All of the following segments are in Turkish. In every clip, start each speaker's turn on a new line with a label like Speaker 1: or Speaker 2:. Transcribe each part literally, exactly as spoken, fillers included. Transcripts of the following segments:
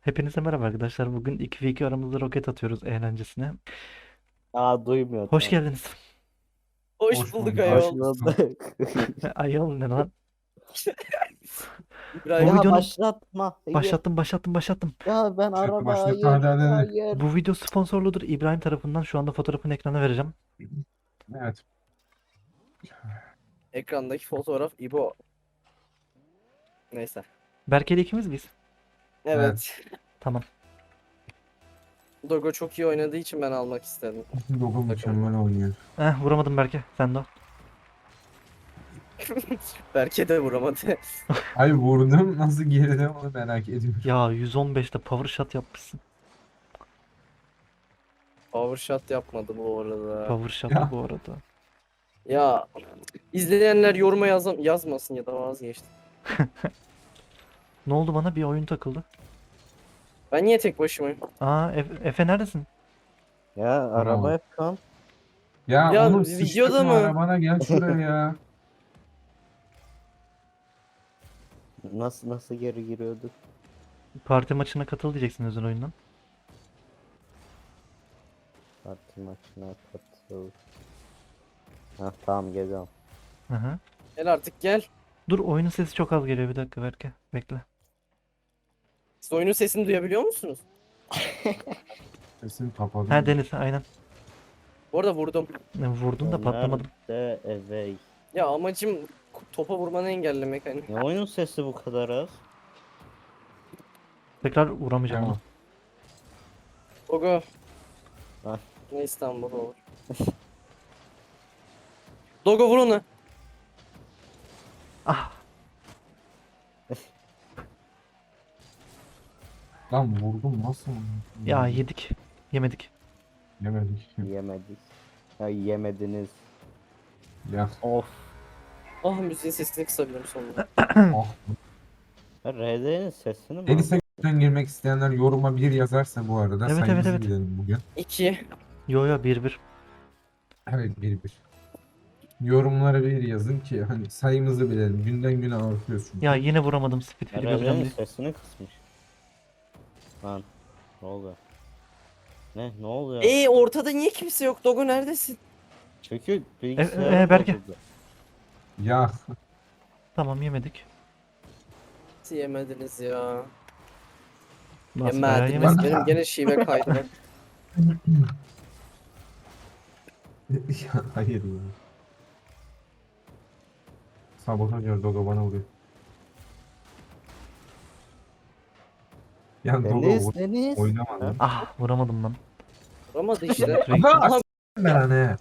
Speaker 1: Hepinize merhaba arkadaşlar. Bugün iki ve iki aramızda roket atıyoruz eğlencesine.
Speaker 2: Aa duymuyor
Speaker 1: Hoş
Speaker 2: tamam.
Speaker 1: geldiniz.
Speaker 3: Hoş
Speaker 4: Hoş
Speaker 3: bulduk
Speaker 4: bulduk
Speaker 2: Hoş
Speaker 3: ayol.
Speaker 4: arkadaşlar.
Speaker 2: bulduk.
Speaker 1: Ayol ne lan? Bu
Speaker 3: İbrahim.
Speaker 2: Ya
Speaker 1: videonun
Speaker 2: başlatma. Hayır.
Speaker 1: başlattım başlattım başlattım.
Speaker 2: Ya ben
Speaker 4: Başlattı
Speaker 2: araba
Speaker 4: başlattı
Speaker 2: hayır.
Speaker 4: hadi hadi hadi.
Speaker 2: Hayır.
Speaker 1: Bu video sponsorludur İbrahim tarafından. Şu anda fotoğrafını ekrana vereceğim.
Speaker 4: Evet.
Speaker 3: Ekrandaki fotoğraf İbo. Neyse.
Speaker 1: Berke'yle ikimiz biz.
Speaker 3: Evet.
Speaker 1: Tamam.
Speaker 3: Dogo çok iyi oynadığı için ben almak istedim.
Speaker 4: Dogo mükemmel oynuyor.
Speaker 1: Eh vuramadım Berke. Sen de o.
Speaker 3: Berke de vuramadı.
Speaker 4: Ay vurdum nasıl geride onu merak ediyorum.
Speaker 1: Ya yüz on beşte power shot yapmışsın.
Speaker 3: Power shot yapmadı bu arada.
Speaker 1: Power shot
Speaker 4: Ya.
Speaker 1: bu arada.
Speaker 3: Ya izleyenler yoruma yazam yazmasın ya da vazgeçtim.
Speaker 1: Ne oldu bana? Bir oyun takıldı.
Speaker 3: Ben niye tek başımayım?
Speaker 1: Aa Efe, Efe neredesin?
Speaker 2: Ya araba yapıyorum.
Speaker 4: Ya,
Speaker 3: Ya,
Speaker 4: onu
Speaker 3: videoda
Speaker 4: sıçtırma
Speaker 3: mı?
Speaker 4: arabana gel şuraya ya.
Speaker 2: Nasıl nasıl geri giriyorduk?
Speaker 1: Parti maçına katıl diyeceksin özel oyundan.
Speaker 2: Parti maçına katıl. Ha tamam geliyorum.
Speaker 1: Hı hı.
Speaker 3: Gel artık gel.
Speaker 1: Dur oyunun sesi çok az geliyor bir dakika Berke. Bekle.
Speaker 3: Siz oyunun sesini duyabiliyor musunuz?
Speaker 4: Sesini kapadım.
Speaker 1: Ha Deniz aynen.
Speaker 3: Bu arada vurdum.
Speaker 1: E, Vurdun da patlamadım.
Speaker 2: Nerede evey?
Speaker 3: Ya amacım topa vurmanı engellemek hani.
Speaker 2: Ne oyunun sesi bu kadar az?
Speaker 1: Tekrar vuramayacağım
Speaker 4: Ya.
Speaker 1: onu.
Speaker 3: Dogo.
Speaker 2: Ha.
Speaker 3: Ne İstanbul olur. Dogo vur onu.
Speaker 1: Ah
Speaker 4: Lan vurdum nasıl?
Speaker 1: ya yedik. Yemedik.
Speaker 4: Yemedik.
Speaker 2: Yemedik. Ya yemediniz.
Speaker 4: Ya.
Speaker 2: Of.
Speaker 3: Ah müziğin sesini kısabilirim sonunda.
Speaker 4: Oh.
Speaker 2: Ya R D'nin sesini mi?
Speaker 4: Deniz'e gökten girmek isteyenler yoruma bir yazarsa bu arada
Speaker 1: Evet, evet,
Speaker 4: sayımızı
Speaker 1: evet.
Speaker 4: bilelim bugün.
Speaker 3: İki.
Speaker 1: Yo yo bir bir.
Speaker 4: Evet bir bir. Yorumlara bir yazın ki hani sayımızı bilelim. Günden güne artıyoruz çünkü.
Speaker 1: Ya yine vuramadım speed
Speaker 2: Ya
Speaker 1: free yapacağım
Speaker 2: R D'nin
Speaker 1: diye.
Speaker 2: sesini kısmış. Lan ne oluyor? Ne ne oluyor?
Speaker 3: Ee ortada niye kimse yok? Dogo neredesin?
Speaker 2: Çünkü bilgisayarım
Speaker 1: e, Berke.
Speaker 2: bozuldu.
Speaker 4: Ya
Speaker 1: Tamam yemedik.
Speaker 3: Nasıl yemediniz ya?
Speaker 1: Nasıl bayağı
Speaker 3: Yemediniz.
Speaker 1: yemedik.
Speaker 3: Benim gene şive kaydı bak.
Speaker 4: Ya hayır ya. Sabotaj var Dogo bana vuruyor. Ya Dogo
Speaker 2: Deniz
Speaker 4: vur.
Speaker 2: Deniz.
Speaker 4: Oynamadı.
Speaker 1: Ah vuramadım lan.
Speaker 3: Vuramadı işte.
Speaker 1: Sürekli-
Speaker 3: Aha
Speaker 4: Ben ne?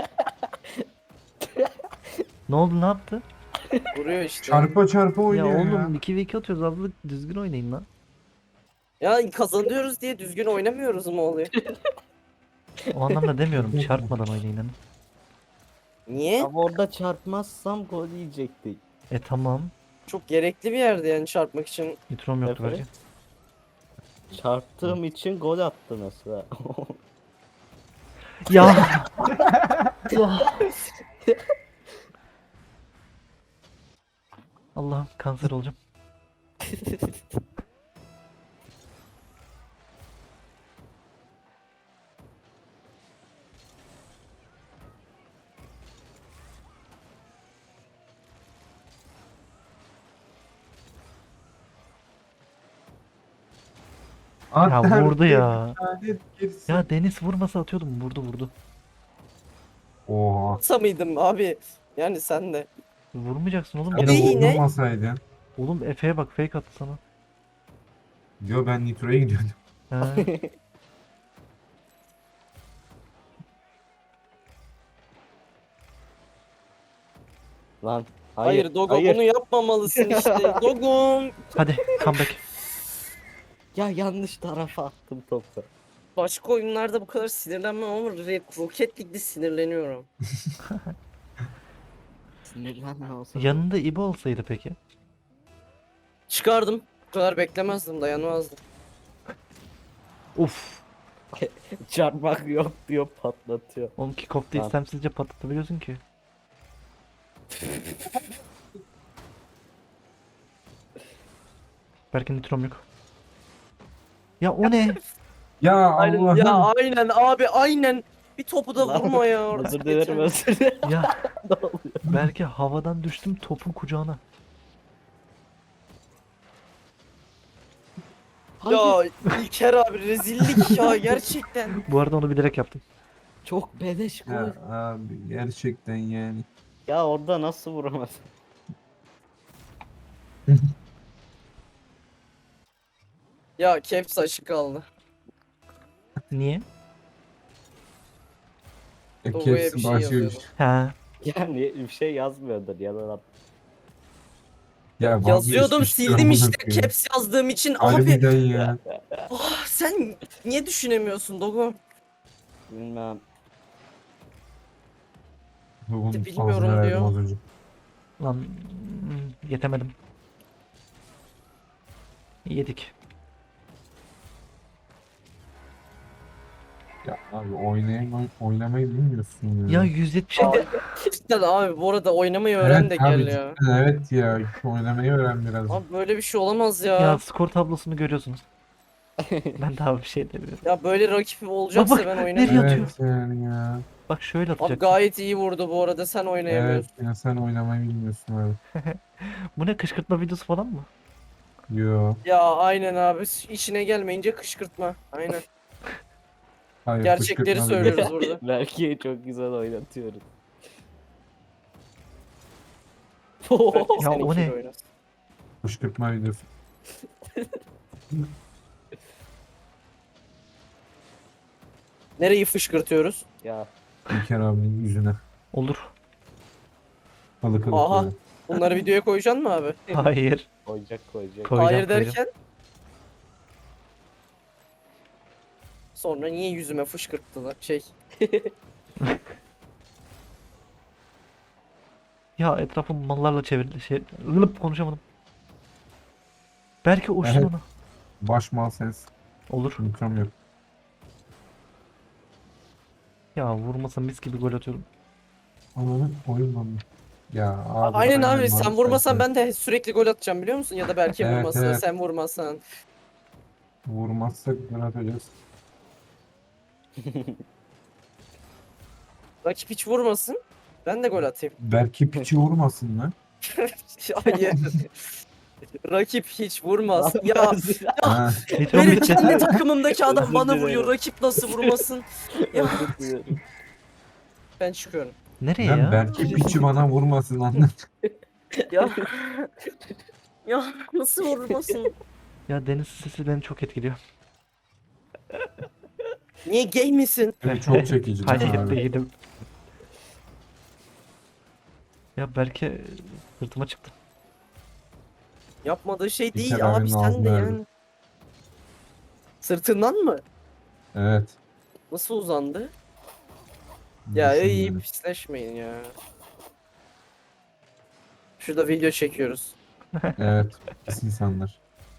Speaker 1: Ne oldu ne yaptı?
Speaker 3: vuruyor işte.
Speaker 4: Çarpa çarpa
Speaker 1: Ya
Speaker 4: oynuyor ya.
Speaker 1: oğlum iki ve iki atıyoruz abla düzgün oynayın lan.
Speaker 3: Ya kazanıyoruz diye düzgün oynamıyoruz mu oluyor?
Speaker 1: O anlamda demiyorum çarpmadan oynayın hani.
Speaker 3: Niye?
Speaker 2: Ama orada çarpmazsam gol yiyecektik.
Speaker 1: E tamam.
Speaker 3: Çok gerekli bir yerde yani çarpmak için.
Speaker 1: Nitrom yoktu
Speaker 2: Evet.
Speaker 1: belki.
Speaker 2: Çarptığım için gol attı mesela.
Speaker 1: Ya. Allah'ım kanser olacağım. Ya vurdu ya. Ya Deniz vurmasa atıyordum. Vurdu vurdu.
Speaker 4: Oha.
Speaker 3: Kısa mıydım abi? Yani sen de.
Speaker 1: Vurmayacaksın oğlum.
Speaker 4: Ya
Speaker 3: O
Speaker 4: da
Speaker 1: Gene
Speaker 3: değil.
Speaker 1: vur.
Speaker 3: yine.
Speaker 4: vurdurmasaydın.
Speaker 1: Oğlum Efe'ye bak fake attı sana.
Speaker 4: Diyor ben Nitro'ya gidiyordum.
Speaker 1: He.
Speaker 2: Lan
Speaker 3: Hayır,
Speaker 2: hayır.
Speaker 3: Dogo
Speaker 2: hayır.
Speaker 3: bunu yapmamalısın işte. Dogom.
Speaker 1: Hadi comeback.
Speaker 2: Ya yanlış tarafa attım topu.
Speaker 3: Başka oyunlarda bu kadar sinirlenmem ama Red Rocket League'de sinirleniyorum.
Speaker 2: Sinirlenme o zaman.
Speaker 1: Yanında İbo olsaydı peki.
Speaker 3: Çıkardım. Bu kadar beklemezdim, dayanmazdım.
Speaker 1: Uf.
Speaker 2: Çarpmak yok diyor patlatıyor.
Speaker 1: Oğlum kickoff'ta
Speaker 2: Lan.
Speaker 1: istemsizce patlatabiliyorsun ki. Belki nitrom yok. Ya o ne?
Speaker 4: Ya
Speaker 3: Aynen ya
Speaker 4: Allah'ım.
Speaker 3: aynen abi aynen. Bir topu da
Speaker 2: Lan,
Speaker 3: vurma ya.
Speaker 2: Özür
Speaker 3: Yeter.
Speaker 2: dilerim özür dilerim.
Speaker 1: Ya
Speaker 2: Ne oluyor?
Speaker 1: belki havadan düştüm topun kucağına.
Speaker 3: Ya İlker abi rezillik ya gerçekten.
Speaker 1: Bu arada onu bilerek yaptım.
Speaker 2: Çok beleş gol.
Speaker 4: Ya
Speaker 2: Ya.
Speaker 4: abi gerçekten yani.
Speaker 2: Orada nasıl vuramadın?
Speaker 3: Ya caps açık kaldı.
Speaker 1: Niye?
Speaker 4: E,
Speaker 3: Logoya
Speaker 4: hepsi
Speaker 3: bir şey
Speaker 4: başka
Speaker 3: yazıyordu.
Speaker 4: şey.
Speaker 1: Ha.
Speaker 2: Yani bir şey yazmıyordur ya da
Speaker 4: Ya
Speaker 3: Yazıyordum
Speaker 4: vazgeçmiştir
Speaker 3: sildim
Speaker 4: amına
Speaker 3: işte
Speaker 4: koyayım.
Speaker 3: caps yazdığım için abi.
Speaker 4: Harbiden ya.
Speaker 3: Ah, sen niye düşünemiyorsun Dogo?
Speaker 2: bilmem.
Speaker 4: Bunun
Speaker 3: Bilmiyorum
Speaker 4: ağzına verdim
Speaker 3: diyor.
Speaker 4: az önce.
Speaker 1: Lan hmm, yetemedim. Yedik.
Speaker 4: Ya abi oynayamay oynamayı bilmiyorsun
Speaker 1: Ya
Speaker 4: ya.
Speaker 1: yüz yetmiş yedi.
Speaker 3: Cidden abi bu arada oynamayı öğren de
Speaker 4: Evet abi
Speaker 3: gel ya.
Speaker 4: cidden evet ya. Oynamayı öğren biraz.
Speaker 3: Abi böyle bir şey olamaz
Speaker 1: Ya
Speaker 3: ya.
Speaker 1: skor tablosunu görüyorsunuz. Ben daha bir şey demiyorum.
Speaker 3: Ya böyle rakip olacaksa
Speaker 1: Bak,
Speaker 3: ben
Speaker 1: nereye
Speaker 3: oynamıyorum.
Speaker 1: atıyor?
Speaker 4: Evet yani ya.
Speaker 1: Bak şöyle
Speaker 3: Abi
Speaker 1: atacak.
Speaker 3: gayet iyi vurdu bu arada sen
Speaker 4: Evet
Speaker 3: oynayamıyorsun.
Speaker 4: ya sen oynamayı bilmiyorsun abi.
Speaker 1: Bu ne, kışkırtma videosu falan mı?
Speaker 4: Yo.
Speaker 3: Ya aynen abi işine gelmeyince kışkırtma. Aynen.
Speaker 4: Hayır
Speaker 3: Gerçekleri
Speaker 4: fışkırtma
Speaker 3: söylüyoruz
Speaker 4: videosu.
Speaker 3: burada.
Speaker 2: Belki çok güzel oynatıyoruz.
Speaker 3: Belki
Speaker 1: Ya o
Speaker 3: seninkiyle
Speaker 1: ne?
Speaker 3: oynasın.
Speaker 4: Fışkırtma videosu.
Speaker 3: Nereyi fışkırtıyoruz?
Speaker 2: Ya
Speaker 4: İlker abinin yüzüne.
Speaker 1: Olur.
Speaker 4: Balık alıp
Speaker 3: Aha.
Speaker 4: böyle.
Speaker 3: Bunları videoya koyacaksın mı abi?
Speaker 1: Hayır.
Speaker 2: koyacak koyacak.
Speaker 1: Koy. Koyacağım,
Speaker 3: Hayır
Speaker 1: koyacağım.
Speaker 3: derken? Sonra niye yüzüme fışkırttılar? Şey.
Speaker 1: Ya etrafım mallarla çevrildi. Şey, ılıp konuşamadım. Belki uçsun
Speaker 4: Evet.
Speaker 1: ona.
Speaker 4: Baş mal sensin.
Speaker 1: Olur.
Speaker 4: Mikrom yok.
Speaker 1: Ya vurmasa mis gibi gol atıyorum.
Speaker 4: Ananı oyun lan. Ya abi.
Speaker 3: Aynen abi sen
Speaker 4: maalesef
Speaker 3: vurmasan
Speaker 4: ya.
Speaker 3: ben de sürekli gol atacağım biliyor musun? Ya da belki
Speaker 4: Evet,
Speaker 3: vurmasa
Speaker 4: evet.
Speaker 3: sen vurmasan.
Speaker 4: Vurmazsak gol atacağız.
Speaker 3: Rakip hiç vurmasın. Ben de gol atayım.
Speaker 4: Belki piçi vurmasın lan.
Speaker 3: Hayır. Rakip hiç vurmaz. Ya
Speaker 4: Ha.
Speaker 1: Nitrom
Speaker 3: benim
Speaker 1: bitti.
Speaker 3: kendi takımımdaki adam
Speaker 2: Özür
Speaker 3: bana
Speaker 2: dilerim.
Speaker 3: vuruyor. Rakip nasıl vurmasın? Ya
Speaker 2: Özür dilerim.
Speaker 3: ben çıkıyorum.
Speaker 1: Nereye
Speaker 4: Lan
Speaker 1: ya?
Speaker 4: belki piçi bana vurmasın anladın.
Speaker 3: Ya ya nasıl vurmasın?
Speaker 1: Ya deniz sesi beni çok etkiliyor.
Speaker 3: Niye gay misin?
Speaker 4: Evet, çok çekici değil mi
Speaker 1: Hayır
Speaker 4: abi?
Speaker 1: değilim. Ya belki sırtıma çıktı.
Speaker 3: Yapmadığı şey değil
Speaker 4: İlker abinin
Speaker 3: abi sen
Speaker 4: ağzına
Speaker 3: de
Speaker 4: verdim.
Speaker 3: yani. Sırtından mı?
Speaker 4: Evet.
Speaker 3: Nasıl uzandı? Ya
Speaker 4: Düşün
Speaker 3: iyi
Speaker 4: yani.
Speaker 3: pisleşmeyin ya. Şurada video çekiyoruz.
Speaker 4: Evet. Pis insanlar.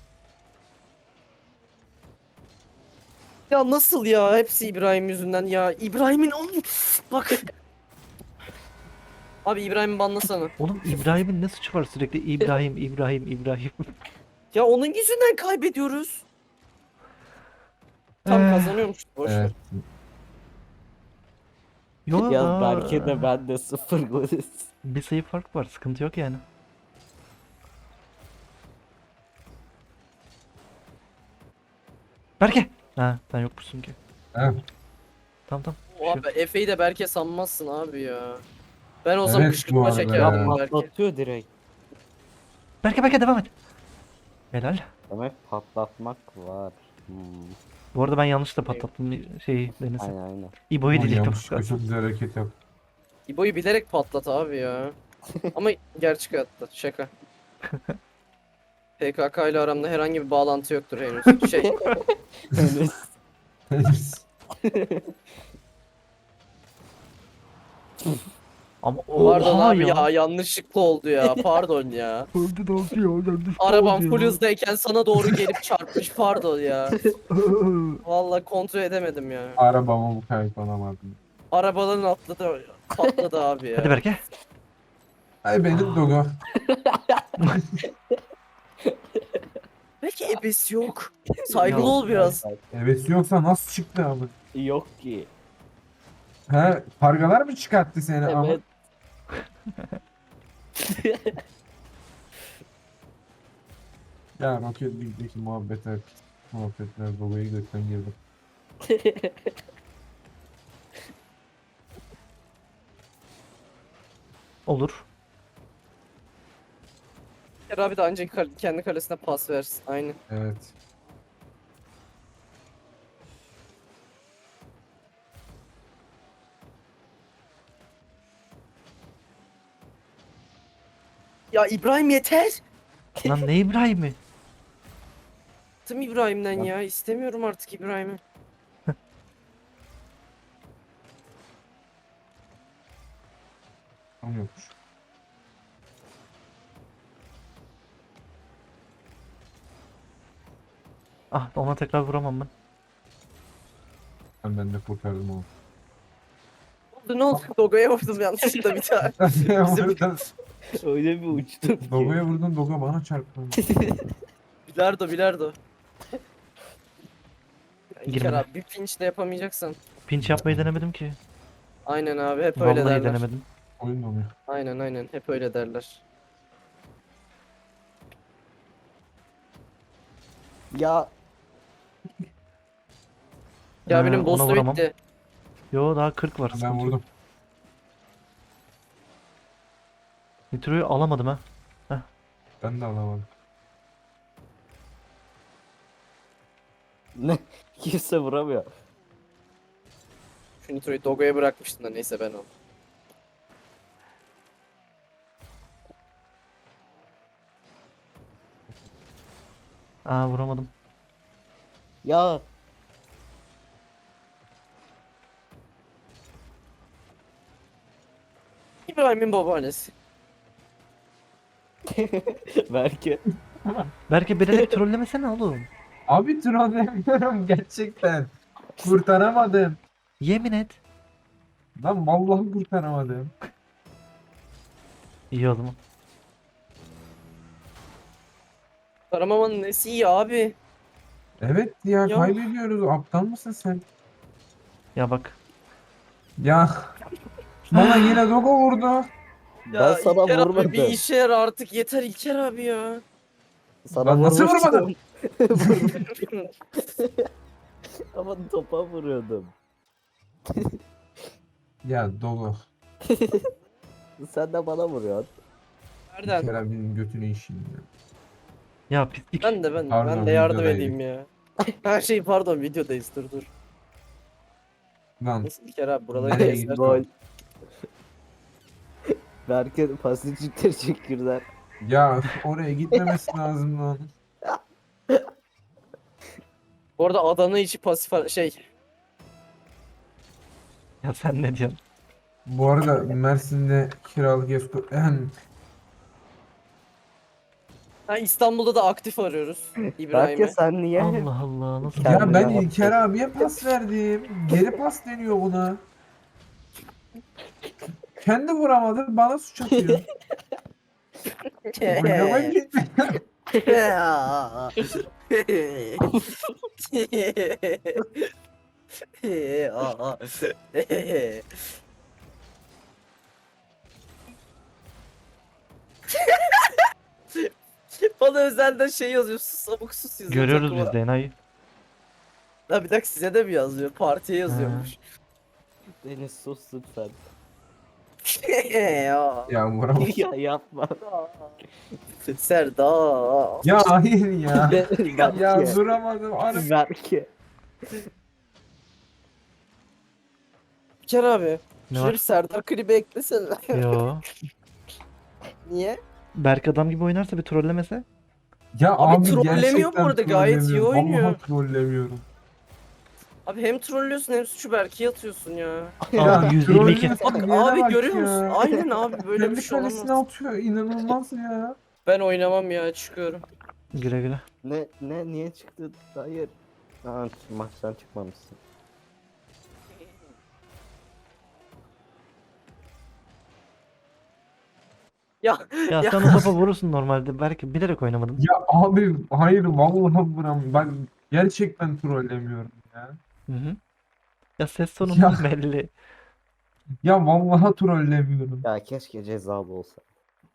Speaker 3: Ya nasıl ya? Hepsi İbrahim yüzünden ya. İbrahim'in oğlum. Bak. Abi İbrahim'i banlasana.
Speaker 1: Oğlum İbrahim'in ne suçu var sürekli İbrahim, İbrahim, İbrahim.
Speaker 3: Ya onun yüzünden kaybediyoruz. Tam
Speaker 1: Eh,
Speaker 3: kazanıyormuş. Boş ver.
Speaker 4: Evet.
Speaker 1: Yo,
Speaker 2: Ya
Speaker 1: aa,
Speaker 2: belki de ben de sıfır golüz.
Speaker 1: bir sayı fark var, sıkıntı yok yani. Berke! Ha, sen yokmuşsun ki.
Speaker 4: Evet.
Speaker 1: Tamam tamam.
Speaker 3: O abi Efe'yi de Berke sanmazsın abi ya. Ben olsam
Speaker 4: Evet, bu
Speaker 3: kışkırtma
Speaker 4: arada
Speaker 3: çekerdim
Speaker 4: ya.
Speaker 3: Berke.
Speaker 2: Patlatıyor direkt.
Speaker 1: Berke Berke devam et. Helal.
Speaker 2: Demek patlatmak var. Hmm.
Speaker 1: Bu arada ben yanlışlıkla patlattım şeyi Deniz'i.
Speaker 2: Aynen aynen.
Speaker 1: İbo'yu
Speaker 4: Ama
Speaker 1: diyecektim.
Speaker 4: yanlış çok güzel hareket yap.
Speaker 3: İbo'yu bilerek patlat abi ya. Ama gerçek hayatta şaka. P K K ile aramda herhangi bir bağlantı yoktur henüz. Şey,
Speaker 2: Henüz.
Speaker 1: Ama
Speaker 3: pardon
Speaker 1: oha
Speaker 3: abi ya.
Speaker 1: ya.
Speaker 3: yanlışlıkla oldu ya. Pardon ya.
Speaker 1: Öldü ne oldu ya? Yanlış
Speaker 3: Arabam
Speaker 1: oldu
Speaker 3: full
Speaker 1: ya.
Speaker 3: hızdayken sana doğru gelip çarpmış. Pardon ya. Vallahi kontrol edemedim ya.
Speaker 4: Arabama bu kayıp alamadım.
Speaker 3: Arabaların atladı, patladı abi ya.
Speaker 1: Hadi Berke.
Speaker 4: Ay benim Dogo.
Speaker 3: Belki ebesi yok. Saygılı
Speaker 1: Ya,
Speaker 3: ol biraz.
Speaker 4: Evet yoksa nasıl çıktı abi?
Speaker 2: Yok ki.
Speaker 4: He, kargalar mı çıkarttı seni? Aha.
Speaker 2: Evet.
Speaker 4: Ya Rocket League'deki muhabbetler, muhabbetler dolayı gökten girdim.
Speaker 1: Olur.
Speaker 3: İlker abi de ancak kal- kendi kalesine pas versin. Aynen.
Speaker 4: Evet.
Speaker 3: Ya İbrahim yeter.
Speaker 1: Lan ne İbrahim'i?
Speaker 3: Bıktım İbrahim'den
Speaker 4: Lan.
Speaker 3: ya. İstemiyorum artık İbrahim'i.
Speaker 4: Tam yokmuş.
Speaker 1: Ah, ona tekrar vuramam ben.
Speaker 4: Ben, ben de kurtardım onu.
Speaker 3: Ne oldu ne oldu? Dogo'ya vurdum yanlışlıkla bir tane. Bizim-
Speaker 4: Oradan
Speaker 2: Öyle bir uçtum ki.
Speaker 4: Dogo'ya vurdun, Dogo bana çarptı.
Speaker 3: Bilardo bilardo. Ya İlker
Speaker 1: Girmedi.
Speaker 3: abi bir pinch de yapamayacaksan.
Speaker 1: Pinç yapmayı denemedim ki.
Speaker 3: Aynen abi hep öyle
Speaker 1: Vallahi
Speaker 3: derler.
Speaker 1: denemedim.
Speaker 4: Oyun donuyor.
Speaker 3: Aynen aynen hep öyle derler.
Speaker 2: Ya
Speaker 3: Ya
Speaker 1: Ee,
Speaker 3: benim
Speaker 1: ona
Speaker 3: boss'u
Speaker 1: vuramam.
Speaker 3: bitti.
Speaker 1: Yo, daha kırk var.
Speaker 4: Ben
Speaker 1: sıkıntı yok.
Speaker 4: vurdum.
Speaker 1: Nitro'yu alamadım ha.
Speaker 4: Ben de alamadım.
Speaker 2: ne? Kimse vuramıyor.
Speaker 3: Şu Nitro'yu Dogo'ya bırakmıştım da neyse ben aldım.
Speaker 1: Aa, vuramadım.
Speaker 2: Ya
Speaker 3: İbrahim'in babaannesi.
Speaker 2: belki.
Speaker 1: Belki bilerek trollemesene oğlum.
Speaker 4: Abi trollemiyorum gerçekten. Kurtaramadım.
Speaker 1: Yemin et.
Speaker 4: Lan vallahi kurtaramadım.
Speaker 1: İyi o zaman.
Speaker 3: Karamamanın nesi iyi abi.
Speaker 4: Evet ya,
Speaker 3: Ya.
Speaker 4: kaybediyoruz. Aptal mısın sen?
Speaker 1: Ya bak.
Speaker 4: Ya bana yine Dogo vurdu.
Speaker 2: Ben sana
Speaker 3: İlker abi
Speaker 2: vurmadım.
Speaker 3: bir işe yar artık yeter İlker abi ya.
Speaker 2: Sana
Speaker 4: Lan nasıl
Speaker 2: vurmuştum.
Speaker 4: vurmadın?
Speaker 2: Ama topa vuruyordum.
Speaker 4: Ya Dogo.
Speaker 2: Sen de bana vuruyorsun.
Speaker 4: Bir
Speaker 3: Nereden?
Speaker 4: kere benim götünü işeyim ya.
Speaker 1: Ya pislik.
Speaker 3: Ben de ben,
Speaker 4: Pardon,
Speaker 3: ben de yardım
Speaker 4: videodaydık.
Speaker 3: edeyim ya. Her şey pardon videodayız dur dur.
Speaker 4: Lan
Speaker 3: Nasıl İlker abi buraları
Speaker 4: Nereye
Speaker 3: göster.
Speaker 4: gitti?
Speaker 2: Gol. Berke pasifçikleri çekirler.
Speaker 4: ya oraya gitmemesi lazım lan.
Speaker 3: Bu arada Adana içi pasif şey.
Speaker 1: Ya sen ne diyorsun?
Speaker 4: Bu arada Mersin'de kiralık ev tut- Ehem.
Speaker 3: Ha İstanbul'da da aktif arıyoruz
Speaker 2: Berke
Speaker 3: İbrahim'i.
Speaker 2: sen niye?
Speaker 1: Allah Allah, nasıl
Speaker 2: Kendine
Speaker 4: Ya ben
Speaker 2: bak.
Speaker 4: İlker abiye pas verdim. Geri pas deniyor buna. Kendi vuramadı, bana suç atıyor. Oynama gitti.
Speaker 3: Bana özelden şey yazıyor. Sus abuk sus yazıyor.
Speaker 1: Görüyoruz
Speaker 3: takıma.
Speaker 1: biz de enayi.
Speaker 3: Ha bir dakika size de mi yazıyor? Partiye yazıyormuş.
Speaker 2: Deniz sus lütfen.
Speaker 3: ya.
Speaker 4: Ya vuramadım.
Speaker 2: ya yapma.
Speaker 3: Serdar.
Speaker 4: Ya hayır ya.
Speaker 2: Berke.
Speaker 4: Ya duramadım. Arı-
Speaker 2: Berke.
Speaker 3: İlker abi.
Speaker 1: Ne
Speaker 3: Şuraya
Speaker 1: var?
Speaker 3: bir Serdar klibi eklesene.
Speaker 1: Yo.
Speaker 3: Niye?
Speaker 1: Berk adam gibi oynarsa bir trollemese.
Speaker 4: Ya
Speaker 3: Abi
Speaker 4: abi,
Speaker 3: trollemiyor
Speaker 4: gerçekten
Speaker 3: bu arada, gayet iyi
Speaker 4: trollemiyorum.
Speaker 3: oynuyor.
Speaker 4: Vallahi trollemiyorum.
Speaker 3: Abi hem trollüyorsun hem suçu Berke'ye atıyorsun ya.
Speaker 1: Aa, yüz yirmi iki.
Speaker 4: trollüyorsun,
Speaker 3: Bak
Speaker 4: diyene
Speaker 3: abi
Speaker 4: bak
Speaker 3: görüyor
Speaker 4: ya.
Speaker 3: musun? Aynen abi böyle bir
Speaker 4: Kendi
Speaker 3: şey
Speaker 4: kalesine
Speaker 3: olamaz.
Speaker 4: atıyor. İnanılmaz ya.
Speaker 3: Ben oynamam ya çıkıyorum.
Speaker 1: Güle güle.
Speaker 2: Ne ne niye çıktı? Hayır. Ha, maçtan çıkmamışsın.
Speaker 3: Ya
Speaker 1: Ya
Speaker 3: ya
Speaker 1: sen o topa vurursun normalde. Belki bilerek oynamadın.
Speaker 4: Ya abi hayır vallahi vuram. Ben gerçekten trollemiyorum ya.
Speaker 1: Hı hı. Ya ses
Speaker 4: Ya
Speaker 1: tonundan belli.
Speaker 4: ya vallahi trollemiyorum.
Speaker 2: Ya keşke cezalı olsa.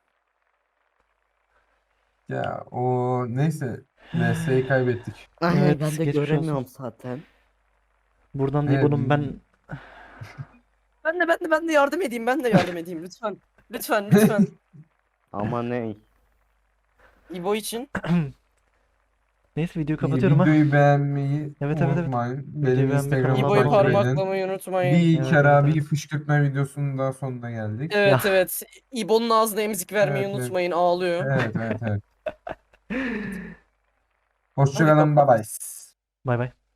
Speaker 4: Ya o neyse V S'yi kaybettik.
Speaker 2: Ay ay ben
Speaker 1: Evet,
Speaker 2: de
Speaker 1: geçmiş olsun.
Speaker 2: göremiyorum zaten.
Speaker 1: Buradan
Speaker 4: Evet,
Speaker 1: İbo'nun ben
Speaker 3: ben de ben de ben de yardım edeyim. Ben de yardım edeyim lütfen. Lütfen lütfen.
Speaker 2: Ama ne?
Speaker 3: İbo için.
Speaker 1: neyse videoyu kapatıyorum ha.
Speaker 4: videoyu beğenmeyi
Speaker 1: Evet, evet, evet.
Speaker 4: unutmayın.
Speaker 1: Videoyu
Speaker 4: Benim
Speaker 1: beğenmeyi,
Speaker 4: Instagram'ı
Speaker 1: kanalıma
Speaker 3: İbo'yu
Speaker 1: abone
Speaker 4: takip
Speaker 1: olmayı.
Speaker 4: edin.
Speaker 3: parmaklamayı unutmayın.
Speaker 4: Bir
Speaker 1: Evet, evet,
Speaker 4: kere bir
Speaker 1: evet.
Speaker 4: fışkırtma videosunun daha sonuna geldik.
Speaker 3: Evet
Speaker 1: Ya.
Speaker 3: evet. İbo'nun ağzına emzik vermeyi
Speaker 4: Evet, evet.
Speaker 3: unutmayın. Ağlıyor.
Speaker 4: Evet, evet, evet.
Speaker 3: Hadi
Speaker 4: Hoşçakalın, bye
Speaker 3: kapat.
Speaker 4: bye.
Speaker 1: Bay bay.